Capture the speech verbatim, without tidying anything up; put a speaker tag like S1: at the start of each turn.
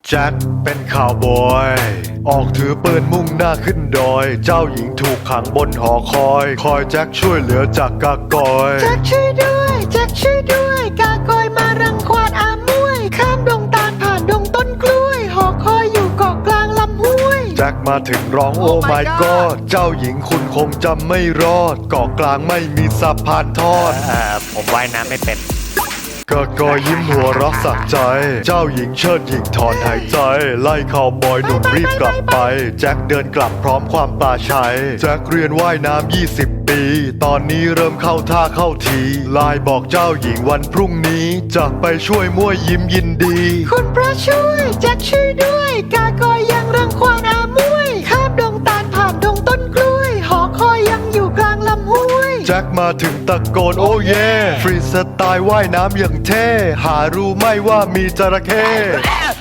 S1: แจ็คเป็นข่าวบอยออกถือปืนมุ่งหน้าขึ้นดอยเจ้าหญิงถูกขังบนหอคอยคอยแจ็คช่วยเหลือจากกากอย
S2: แจ็คช่วยด้วยแจ็คช่วยด้วยกากอยมารังควานอามวยข้ามดงตาลผ่านดงต้นกล้วยหอคอยอยู่เกาะกลางลำห้วย
S1: แจ็คมาถึงร้องโอ้ my god เจ้าหญิงคุณคงจำไม่รอดเกาะกลางไม่มีสะพานทอด
S3: เอ่อผมว่ายน้ำไม่เป็น
S1: กากอยยิ้มหัวเรักสักใจเจ้าหญิงเชิดหญิงถอนหายใจไล่ข่าวบอยหนุ่มรีบกลับไปแจ็คเดินกลับพร้อมความปลาชัยแจ็คเรียนว่ายน้ำยี่สิบปีตอนนี้เริ่มเข้าท่าเข้าทีไลน์บอกเจ้าหญิงวันพรุ่งนี้จะไปช่วยมั่วยิ้มยินดี
S2: คุณพระช่วยแจ็คช่วยด้วยกากอยยังรังควานอามวยข้ามดงตาลผ่านดงต้นกล้วยหอคอยยังอยู่กลางลำห้วย
S1: แจ็คมาถึงตะโกนโอ้เย่ฟรีสไตล์ว่ายน้ำอย่างเท่หารู้ไหม่ว่ามีจระเข้